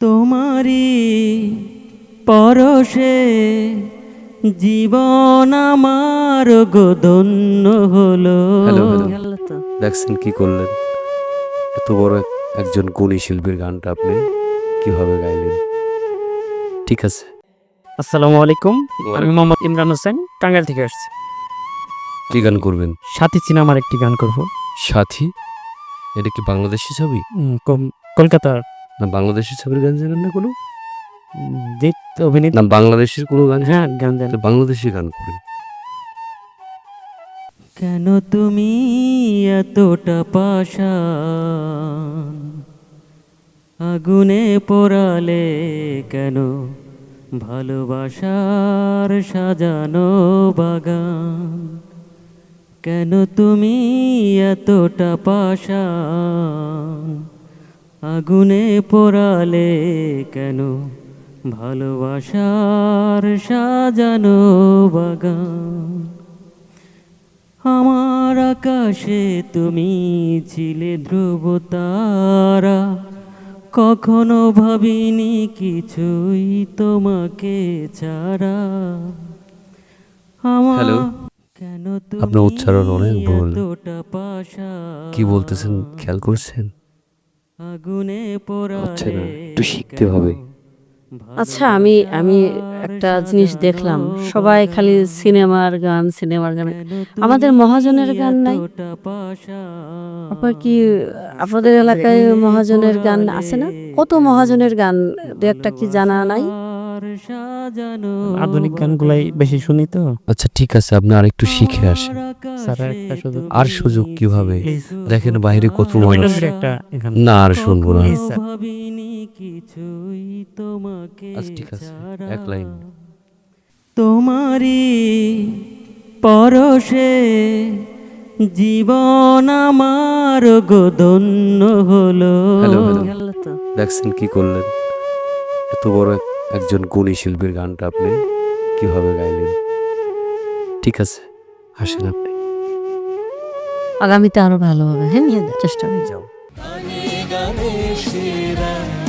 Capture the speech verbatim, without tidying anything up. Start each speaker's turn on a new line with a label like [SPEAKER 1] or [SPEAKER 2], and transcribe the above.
[SPEAKER 1] তোমারি পরশে জীবন আমার গোধন্য হলো।
[SPEAKER 2] হ্যালো হ্যালো দেখছেন কি করলেন? এত বড় এক- একজন গুণী শিল্পীর গানটা আপনি কিভাবে গাইলেন? ঠিক আছে,
[SPEAKER 3] আসসালামু আলাইকুম। আমি মোহাম্মদ ইমরান হোসেন, টাঙ্গাইল থেকে আসছি।
[SPEAKER 2] কি গান করবেন?
[SPEAKER 3] সাথী সিনেমার একটি গান করব।
[SPEAKER 2] সাথী? এটা কি বাংলাদেশি ছবি?
[SPEAKER 3] উম, কম- কলকাতার
[SPEAKER 2] না বাংলাদেশি ছবির গান জানেন না কোনো?
[SPEAKER 3] উম, জিৎ অভিনীত।
[SPEAKER 2] না বাংলাদেশের কোনো গান?
[SPEAKER 3] হ্যাঁ, গান জানি।
[SPEAKER 2] তো বাংলাদেশি গান করেন।
[SPEAKER 1] কেন তুমি এতটা পাষাণ, আগুনে পোড়ালে কেন ভালোবাসার সাজানো বাগান? কেন তুমি এতটা পাষাণ, আগুনে পোড়ালে কেন ভালোবাসার সাজানো বাগান? আমার আকাশে তুমি ছিলে ধ্রুব তারা, কখনো ভাবিনি কিছুই তোমাকে ছাড়া। আমার
[SPEAKER 2] হ্যালো,
[SPEAKER 1] কেন
[SPEAKER 2] আপনার
[SPEAKER 1] তুমি
[SPEAKER 2] উচ্চারণ অনেক ভুল।
[SPEAKER 1] এতটা পাষাণ,
[SPEAKER 2] কি বলতেছেন খেয়াল করছেন?
[SPEAKER 1] আগুনে
[SPEAKER 2] হচ্ছে
[SPEAKER 1] পোড়ালে
[SPEAKER 2] না, একটু শিখতে হবে।
[SPEAKER 4] আচ্ছা, আমি আমি একটা জিনিস দেখলাম, সবাই খালি সিনেমার গান সিনেমার গান। আমাদের মহাজনের গান নাই? আপনার কি আপনাদের এলাকায় মহাজনের গান আছে না? কত মহাজনের গান, দু একটা কি জানা নাই?
[SPEAKER 3] আধুনিক গানগুলাই বেশি শুনি তো।
[SPEAKER 2] আচ্ছা ঠিক আছে, আপনি আরেকটু শিখে আসেন।
[SPEAKER 3] স্যার, একটা সুযোগ।
[SPEAKER 2] আর সুযোগ কিভাবে?
[SPEAKER 3] Please।
[SPEAKER 2] দেখেন বাইরে কত মানুষ।
[SPEAKER 3] রবীন্দ্রনাথের একটা গান।
[SPEAKER 2] না আর শুনবো না।
[SPEAKER 3] Please, sir.
[SPEAKER 2] আচ্ছা ঠিক আছে, এক লাইন।
[SPEAKER 1] তোমারি পরশে জীবন আমার গোধন্য হলো।
[SPEAKER 2] হ্যালো হ্যালো
[SPEAKER 4] গেল তো।
[SPEAKER 2] দেখছেন কি করলেন? এত বড় এক- একজন গুণী শিল্পীর গানটা আপনি কিভাবে গাইলেন? ঠিক আছে, হাসেন আপনি।
[SPEAKER 4] আগামীতে আরো ভালো হবে। হ্যাঁ, নিয়ে চেষ্টা করি।
[SPEAKER 2] যাও।
[SPEAKER 1] গানে গানে সেরা